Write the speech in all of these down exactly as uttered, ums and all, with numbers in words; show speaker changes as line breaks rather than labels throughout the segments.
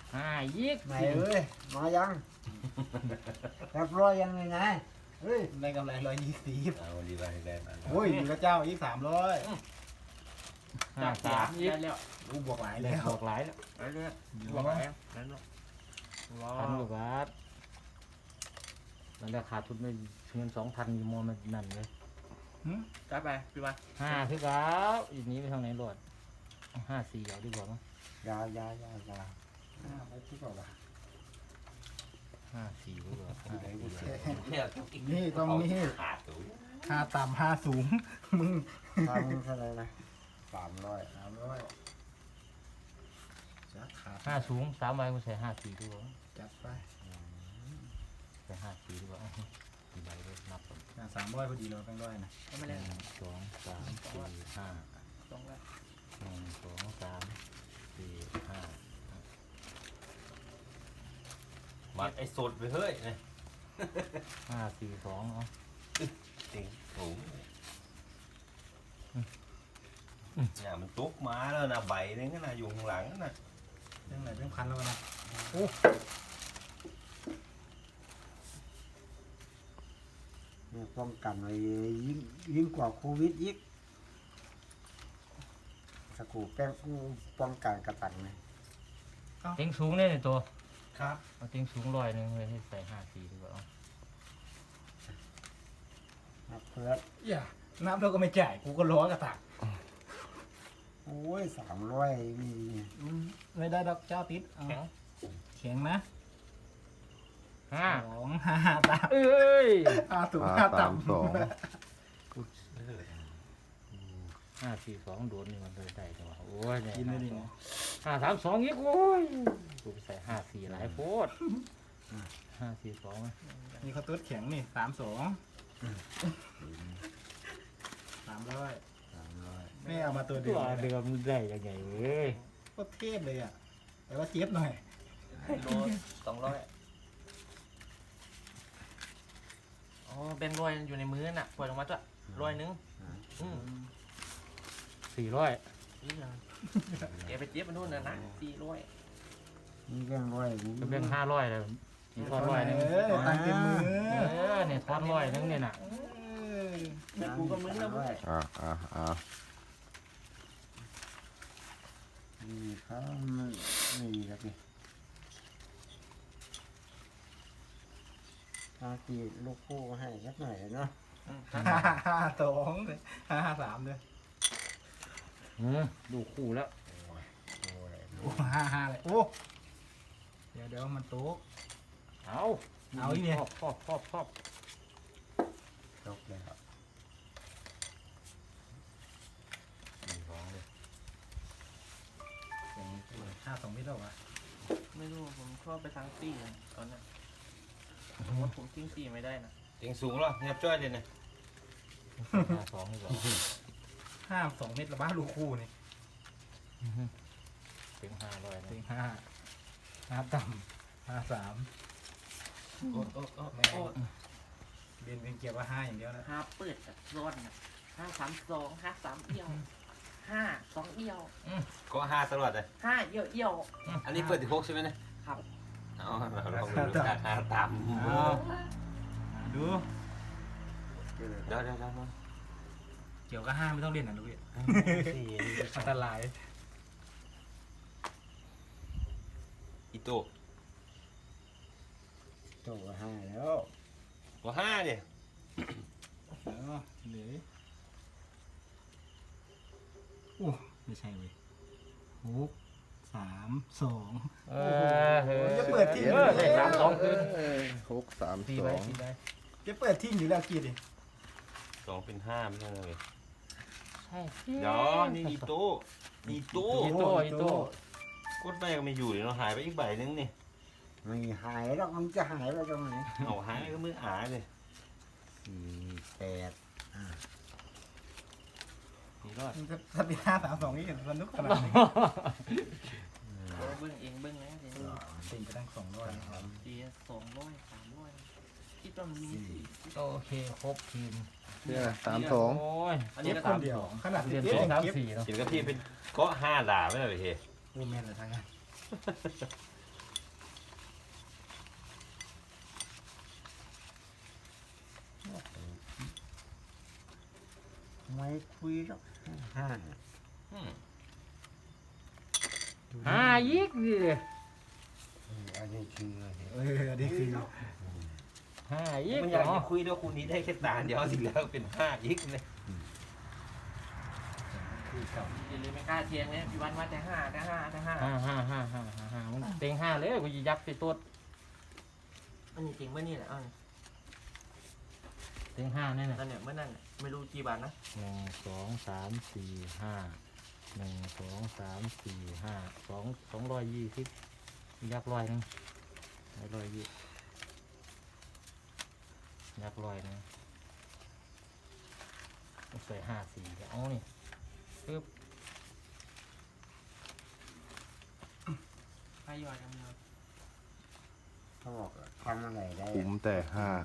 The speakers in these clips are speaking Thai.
ห้ายี่สิบ
ไหนเอ้ยมายังเรียบร้อยยังไงไงเฮ้ย
ได้กำไรร้อยยี่สิบ
เอาดีไปได้มา
โอ้ยอยู่กับเจ้าอีกสามร้อย
ห้าสามยี่สิบ
แล้ว
รู้บวกหลาย
เล
แล้
ยว บอกหลายแล้ว
เรื่อยๆบวกแล้วนั่นเนาะว้า
พันก
ว
ว่าบาทมันราคาทุนไม่เงินสองพันมีมอมันนั่นเลย
จัดไปพี่มา
ห้าคือเก้าอีกนี้ไปทางไหนรอดห้าสี่เอาดีกว่ามั้ง
ยายายายาอ่าไปที่ก่อนละ
ห้าสี่ดีกว่าห้าสี่
เนี่ย
นี่ต้องนี่
ขาดตัว
ห้าต่ำห้าสูงมึง
ทำเท่าไหรนะสามร้อย
สามร้อยจัดขาด
ห้าสูงสามใบกูใส่ห้าสี่ดีกว่า
จัดไป
ใส่ห้าสี่ดีกว่ากี่ใบเลยนับก่อน
สามร้อยพอดีเราแบงค์ร้อยนะ
ไม่
ห
ได้
นึ่งสองสามสี่ห้า
สองแล้ว
หนึ่งสองสามสี่ห้า
มัดไอ้สดไปเฮ้ยเนี่ย
ห้าสี่สองเอา
จริงสูงเนี่ยมันตุกมาแล้วนะใบนึงก็นะอยู่ข้างหลังนะ
เรื่องไหนเรื่องพันแล้วนะ
เนี่ยป้องกันไว้ยิ่งยิ่งกว่าโควิดอีกสกูแป้งกูป้องกันกระตันเลย
เต็งสูงเนี่ยในตัว
ครับ
เอาเต็งสูงร้อยหนึ่งเลยให้ใส่ห้าสี่ดีกว่าเอา
นับเพื่อน
อย่านับแล้วก็ไม่จ่ายกูก็ล้อกระตัก
โอ้ยสามร้อยมี
ไม่ได้ดอกเจ้าติดเอา
แข็ง
แข็งนะ
ห้า
สองห้าตาม
เอ้ย
ห้าสูง
ห้า
ห้า
สามสอง
ต่ำ
ห้าสี่สองโดนนี่มันเลยได้จังหวะโอ้ยเนี่ย
กินไม่ดีนะ
ห้าสามสองอีกโอ้ยกูไปใส่ห้าสี่หลายโพดห้าสี่สอง
นี่เขาตุ๊ดแข็งนี่สามสองสามร้อย
สามร้อย
ไม่เอามาตัวเดี
ตั
ยว ว
เดิมได้ยังไงเว้ย
ก็เทพเลยอ่ะ แต่ว่าเจี๊ยบหน่อย
โลสองร้อยอ๋อแบงค์ร้อยอยู่ในมือน่ะปล่อยลงมาจ้ะร้อยนึงอืม
สี่ร้อย
นี่ยังแกไปเจี๊ยบไปนู่นน่ะนะสี่ร้อย
นี่แป้งร้อยนี่
ก็เป็นห้าร้อยเลยมีทอนร้อยหนึง
เออตังค์เต็มมือ
เออเนี่ยทอนร้อยหนึงเนี่ยน่ะ
เออ
ไม่กูก็มึนแล้วมึง
อ่าอ่าอ่า
นี่เขาไม่มีครับนี่ตาจีลูกคู่ให้สักหน่อยเนาะ
ห้าห้าสองเลยห้าห้าสามเลย
อืมดูคู่แล้ว
โอ้ห้าห้าเลยโอ้เดี๋ยวเดี๋ยวมันโต๊ะ
เอา
เอาอีกเนี่ย
ครอบครอบครอบครอบ
จบเลยครับ
สี่สองเลย
ห้าสองมิตรแล้ววะ
ไม่รู้ผมชอบไปทางซี่เลยตอนนั้นผมว่าผมทิ้งซี่ไม่ได้นะ
จริงสูงแล้วเงียบจ้อยเลยนะ
ห้าสองดีกว่า
ห้าสองเมตรละบ้าลูกคู่นี่
ถึงห้าร้อยนะ
ถึงห้าห้าต่ำห้าสาม
โอ้โอ้โอ้
แม่
โอ้
เรียนเป็นเกียร์ว่าห้าอย่างเดียวนะ
ห้าเปิดอะร้อนอะห้าสามสองห้าสามเอี่ยวห้าสองเอี่ยว
ก็ห้าตลอดเลย
ห้าเอี่ยวเอี่ยว
อันนี้เปิดที่หกใช่ไหมเนี่ย
ครับ
เอาเราลองดูราคาต่ำ
เอาดู
เดี๋ยวเดี๋ยวเดี๋ยว
เกี่ยวกับห้าไม่ต้องเล่นนะลูกพี่
สี่
อันตราย
อีโต้
ตัวห้าแล้ว
ก็ห้าดิ
เออเหลือโอ้ไม่ใช่เว้ยหกสามสอง
เออเออ
จะเปิดที่
เออได้สามสองคืน
หกสาม
สี่
ส
ใบ
อง
สี่ใบ
จะเปิดที่อยู่แล้วกี่ดิ
สองเป็นห้าไม่ใช่เลย
ใช่
เดี๋ยวนี่อีโต้อีโต้
อีโต้อีโต้
กดไปก็ไม่อยู่เดี๋ยวเราหายไปอีกใบนึงนี่
ไม่หายหรอกมันจะหายไปตรงไหน
เอาหายก็มือหายเลย
สี่แปด
สี่รอด
มันจะถ้าเป็นห้าสามสองนี่เห็นสนุกขนาดนี้
โอ้เบิ้งเองเบิ้งนะทีนี้
ตีไปตั้งสองร้อยนะครับ
ตีสองร้อยสามร้อยคิดว่ามันมีสี่
โอเคครบทีม
เนี่ยสามสอง
โอ้ย
อัน
เก็
นี้
บ
ก็
ค
สาน ม
เดียว
สอง
ขนาด
เดือน
เก็บ
สอง
ยัง
สาม
เก็บ
สี่เนาะ
กินกับพี่เป็นก็ห้าด่าไม่ได้เลยเฮ้
โอ้แม่นเลยทางนั้น
ไม่คุยหรอกห้า
อืม
ห้ายิกดิ
อืมอันนี้คืออะไร
เอออันนี้คือ
ห้ายิก
มันอยาก
เนาะ
จะคุยด้วยคุณนี้ได้แค่ตาเดียวสิแล้วเป็นห้าอีกเลย
อย่าลืมไม่กล้าเทียงเนี่ยพี่วันว่าแต่ห้าแต่ห้าแต่ห้า
ห้าห้าห้าห้าห้าห้ามันเต็งห้าเลยกูจะยักไปตัว
อันนี้จริงเมื่อนี่แหละเอ้า
เต็งห้าแน่น่ะ
นั่นเนี่ยเมื่อนั่นน่ะไม่รู้กี่บาทนะ
หนึ่งสองสามสี่ห้าหนึ่งสองสามสี่ห้าสองสองร้อยยี่สิบยักร้อยหนึงร้อยยี่ยักร้อยหนึงใส่ห้าสี่เอานี่ปึ๊บ
ให้ย่อยกันเลย
เขาบอกทำอะไรได้
คุ้มแต่ห้า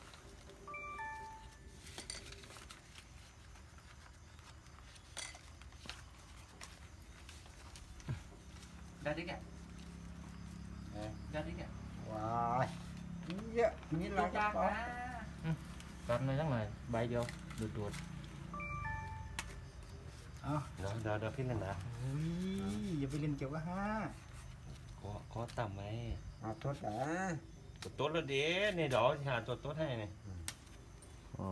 ได้ดิแก
เอ๊ะ
ได้ดิแก
ว้ายเยอะนี่เราก็
ยาก
ปอ
นะ
กันเลยทั้งหน่อยใบเดียวดูดดูด
เอ้า
เดี๋ยวเดี๋ยวเดี๋ยวพี่เล่นนะ
เฮ้ยอย่าไปเล่นเกี่ยวกับห้า
ก็ก็ต่ำไหม
เอาทดอ่ะ
ตัวโต๊ดแล้วเด้เนี่ยเดี๋ยวหาตัวโต๊ดให้เนี่ย
อ๋อ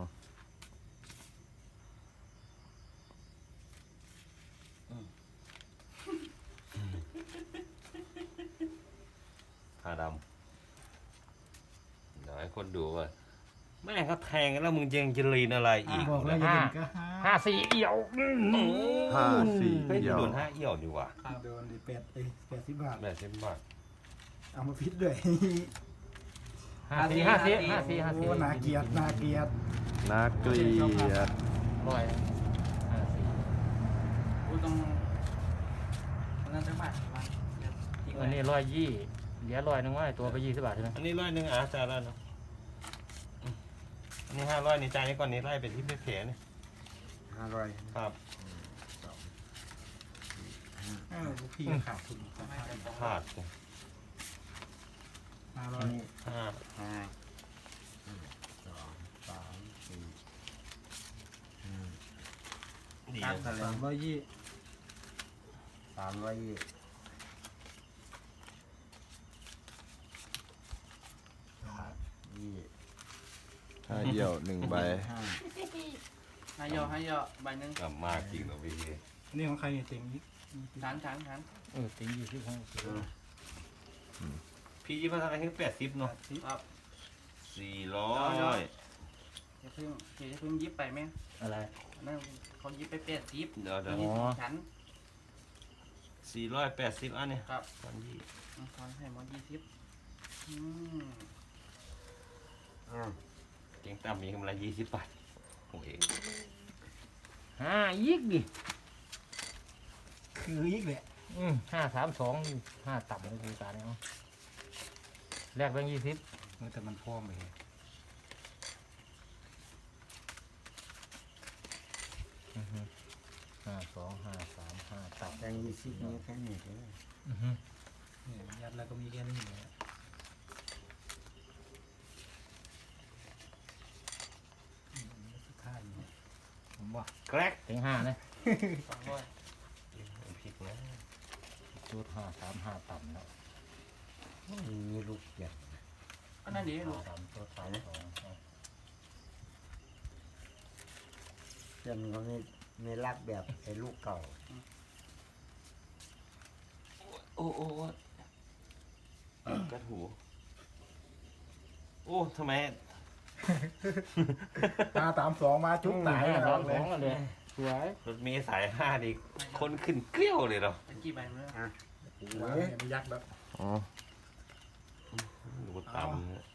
หาดำเดี๋ยวให้คนดูว่าแม่งเขาแทงกันแล้วมึงยังจะลีนอะไรอีก
บอกแล้วอย่าเล่นกับห้า
ห้าสี่เอี่ยวอื้อหือ
ห้าสี่
เฮ้ย
เดียว
โดนห้าเอี่ยวดีกว่า
โดนดิแปดเอ้ยแปดสิบบาท
แบบเส้นบาท
เอามาพิษด้วย
ห้าสี่ห้าสี่ห้าสี่ห้า
โอ้
สี่
นาเกลียดนาเกลียด
น่าเกลียด
ร้อยห้าสี่
กูต้องนั่นจะบาทวันเดี๋ยวทิ้งไว้
อันนี้ร้อยยี่เหลือร้อยหนึงว่าตัวไปยี่สิบบาทใช่ไหม
อันนี้ร้อยหนึ่งอ่ะจ่ายแล้วเนาะอืมอันนี้ห้าร้อยนี่จ่ายนี่ก่อนนี่ไล่ไปที่เพจนี่
ห้าร้อย
ครับ
อ้าวลูกพี่ขาดทุน
ไม่ได้บอก
พลาดเนี่ย
ห้าร้อ
อั
ย
นนี้
ห้า
ห้าหนึ่งสองสามสี่ห้า
ดี
ตัด
นะ
อะไร
สามร้อยยี่
สามร้อยยี่ยี่
ห้าเดียวหนึ่งใบ
ห้า
ให้ย่อให้ย่อใบหนึ่ง
กลับมากจริงเหรอพี่
นี่ของใครเนี่ยเต็งอีก
ฐานฐานฐาน
เออตียี่สิบห้าสิบ
พี่ยี่สิบห้าถึงแปดสิบเนาะ
ครับ
สี่ร้อย
อย่าเพิ่งอย่าเพิ่งยิบไปแม่
อะไร
นั่นเขายิบไปแปดสิบ
เดี๋ยวเดี๋ยว
นี่
อ๋อ
ฉัน
สี่ร้อยแปดสิบอันนี้
ครับ
ตอนยี่
ทอนให้หมอยี่สิบอืม
อ่า
เก่งต่ำมีกำไรยี่สิบบาทโอ้ย
ห้ายิกดิ
คืออีกแหละ
อืมห้าสามสองห้าต่ำเลยคือการเนาะแลกแบงค์ยี่สิบ
เออแต่มันพร้อมไป
อือฮึห้าสองห้าสามห้าต่ำ
แตงยี่สิบนี่แค่นี้ก็ได้
อือฮึ
เนี่ยยัดแล้วก็มีแค่นี้เลยอืมสุดท้ายเนี่ย
ผมว่า
แกรก
เต็งห้านะ
สองร้อย
ผิดนะ
จุดห้าสามห้าต่ำแล้ว
มีลูกใหญ่
อันนั้นดีลูก
สามตัวสามสองเอา
เพื่อนเขาไม่ไม่รักแบบไอ้ลูกเก่า
โอ้โอ้โอ้กระถูโอ้ทำไม
ห้าสามสองมาจุ๊บตาย
ห้า
แล้
สาว มสองกันเลยสวย
รถเมย์สายห้าดิคนขึ้นเกลี้ยวเลยเหรอ
เป็นกี่ใบเมื่อ
อ่ะ
วางเนี่ยไม่ยักแบบ
อ๋อ
ดูต่ำเนี่ย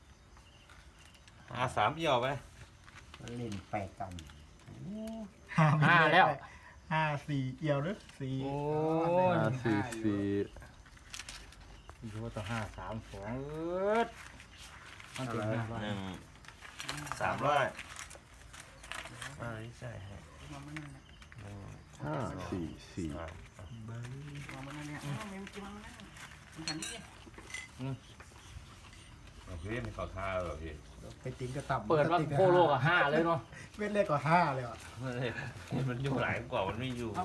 อาสามเอี่ยวไป
มันเล่นไปกัน
ห้าแล้ว
ห้าสี่เอี่ยวหรือสี่
โอ้
ห้าสี่สี่
ยูต่อห้าสามสองเอิดมันเป็นห้าร้อย
หนึ่งสามร้อยอ่าใช่ฮะ
มาเมื่อนั่นแหละ
หนึ่ง
ห้าสี่สี่
สาม
เบิ้ง
มาเมื่อนั่นเนี่ยอ้าวเมมกี่มาเมื่อนั่นมันขันนี่
โอเค
พี่ไม่ขอท่าหรอพี่
ไปติ้งก็ต่ำ
เปิดว่าโคโลกับห้าเลยเนาะ
เม็ดเล็กกว่าห้าเลยอ่ะ
มันอยู่หลายกว่ามันไม่อยู่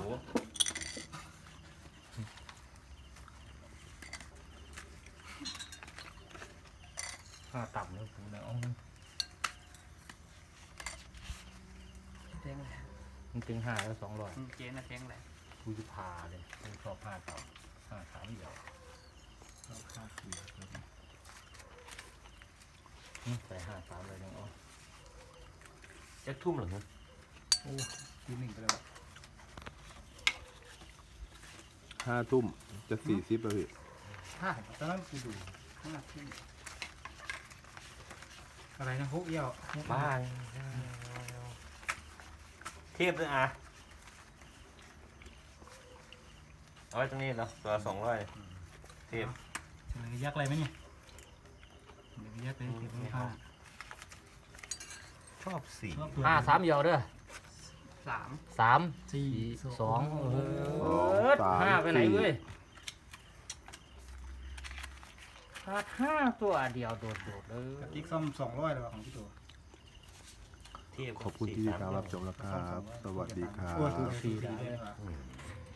ห้าต่ำเลยผมเนี่ยเอา
แทงเลย
มันถึงห้าแล้วสองร้อย
เจ๊น่ะแทงแหละ
กูจะพาเลยกูชอบห้าต่ำห้าสามเดียว
ห้าสี่
อืมใส่ห้าสามเลยนึงอ๋อ
จะทุ่มเหรอฮะ
โอ้ทีหนึ่งไปแล้วอะ
ห้าทุ่มจะสี่สิบแล้วพี่
ห้าตอนนั้นกูดูห้าทุ่มอะไรนะฮุกเอี่ยวฮุก
บ้าเทียบด้วยอ่ะเอาไว้ตรงนี้เนาะตัวสองร้อยเทียบ
เฉลยยักษ์อะไรไหมเนี่ยเดี๋ยวยักษ์เลยเก็บไว้ห้า
ชอบสี
ชอบตัว
ห้าสามเดียวเด้อ
สาม
สาม
สี่
สองเอ
สอง
อ
สาม
ห้าไปไหน
สี่
เว้ยขาดห้าตัวเดียวโดดๆเลย
กับกิ๊กซ่อมสองร้อยเลยว่ะของพี่ตัว
เทียบ
ขอบคุณที่ติดตามรับชมแล้วครับ สวัสดีครั
โอ้ย
บ
สี่ได้เลยว่ะ
อืม